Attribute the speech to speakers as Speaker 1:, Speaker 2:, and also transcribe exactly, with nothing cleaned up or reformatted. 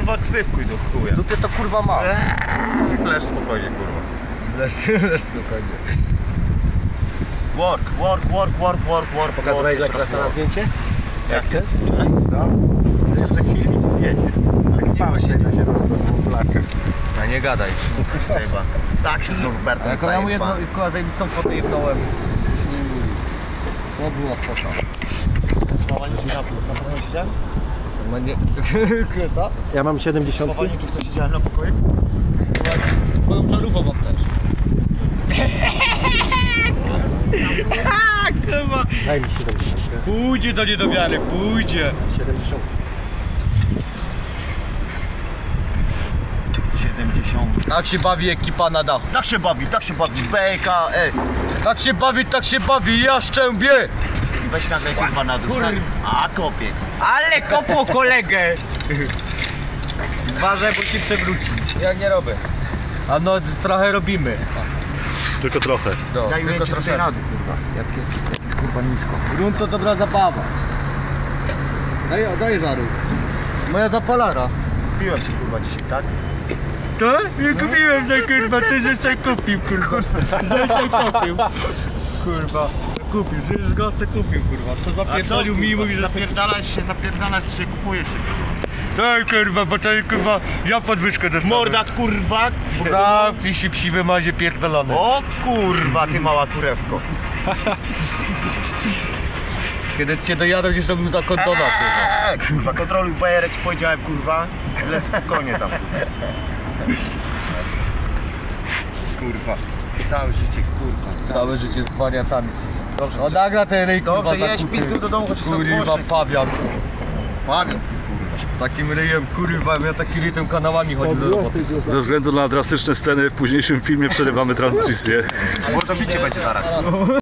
Speaker 1: kurwa ksywkuj do chuja.
Speaker 2: Dupie to kurwa ma.
Speaker 1: Eee, leż spokojnie kurwa.
Speaker 2: Leż, leż spokojnie.
Speaker 1: Work, work, work, work, work, work.
Speaker 2: Pokazałeś
Speaker 1: work,
Speaker 2: jak raz na
Speaker 1: work.
Speaker 2: zdjęcie?
Speaker 1: Jak ty?
Speaker 2: Wczoraj?
Speaker 1: No. Jeszcze filmik zdjęcie. Jak spałeś się na siedząc w blakach.
Speaker 2: A nie gadaj.
Speaker 1: Sejba. Tak się z Norbertem
Speaker 2: Jak ja mu jedną
Speaker 1: zajebałem.
Speaker 2: kurwa zajebistą fotę jebnąłem. To była fota.
Speaker 1: Spawaniu czy na, na pokoju siedziałem?
Speaker 2: No nie... Co?
Speaker 3: Ja mam siedemdziesiąt.
Speaker 1: Spawaniu czy co siedziałem na pokoju?
Speaker 2: Twoją żarówką mam też. Kurwa.
Speaker 3: Daj mi siedemdziesiąt.
Speaker 2: Pójdzie do niedowiary, pójdzie.
Speaker 3: siedemdziesiąt.
Speaker 1: siedemdziesiąt.
Speaker 2: Tak się bawi ekipa na dachu.
Speaker 1: Tak się bawi, tak się bawi. B K S.
Speaker 2: Tak się bawi, tak się bawi, ja szczębię.
Speaker 1: I weź nagraj kurwa na dół.
Speaker 2: Kur-
Speaker 1: A kopie.
Speaker 2: Ale kopło kolegę. Uważaj, bo ci przewróci. Ja nie robię. A no trochę robimy.
Speaker 3: Tylko trochę.
Speaker 2: No,
Speaker 1: Daj
Speaker 2: tylko
Speaker 1: ujęcie tutaj
Speaker 2: troszeczkę.
Speaker 1: na dół kurwa. Jak, jak jest kurwa nisko.
Speaker 2: Grunt to dobra zabawa. Daj, daj żaru. Moja zapalara.
Speaker 1: Piłem się kurwa dzisiaj, tak?
Speaker 2: To? Nie kupiłem za kurwa, ty żeś sobie kupił kurwa. Żeś sobie kupił. Kurwa. Kupił, żeś go se kupił kurwa. Co zapierdolił mi i mówi, że se...
Speaker 1: zapierdalasz się, zapierdalasz się, kupujesz się.
Speaker 2: Daj kurwa, bo to kurwa, ja podwyżkę dostałem.
Speaker 1: Morda kurwa.
Speaker 2: Zamknij się psi wymazie pierdolony.
Speaker 1: O kurwa ty mała kurewko.
Speaker 2: Kiedy cię dojadą, gdzieś robił za kondona kurwa.
Speaker 1: Eee, kurwa, kontroluj bajerek, ci powiedziałem kurwa. Ale spokojnie tam kurwa. Kurwa. Całe życie kurwa.
Speaker 2: Całe życie z wariatami.
Speaker 1: Dobrze,
Speaker 2: O nagra ten ryj kurwa
Speaker 1: dobrze jedź
Speaker 2: zakuty.
Speaker 1: pizdu do domu, chociaż są
Speaker 2: Kurwa
Speaker 1: głośne.
Speaker 2: pawian.
Speaker 1: Pawian.
Speaker 2: Takim ryjem kurwa, ja taki ryj tym kanałami chodził do roboty.
Speaker 4: Ze względu na drastyczne sceny w późniejszym filmie przerywamy transmisję.
Speaker 1: Mordo bicie będzie zaraz.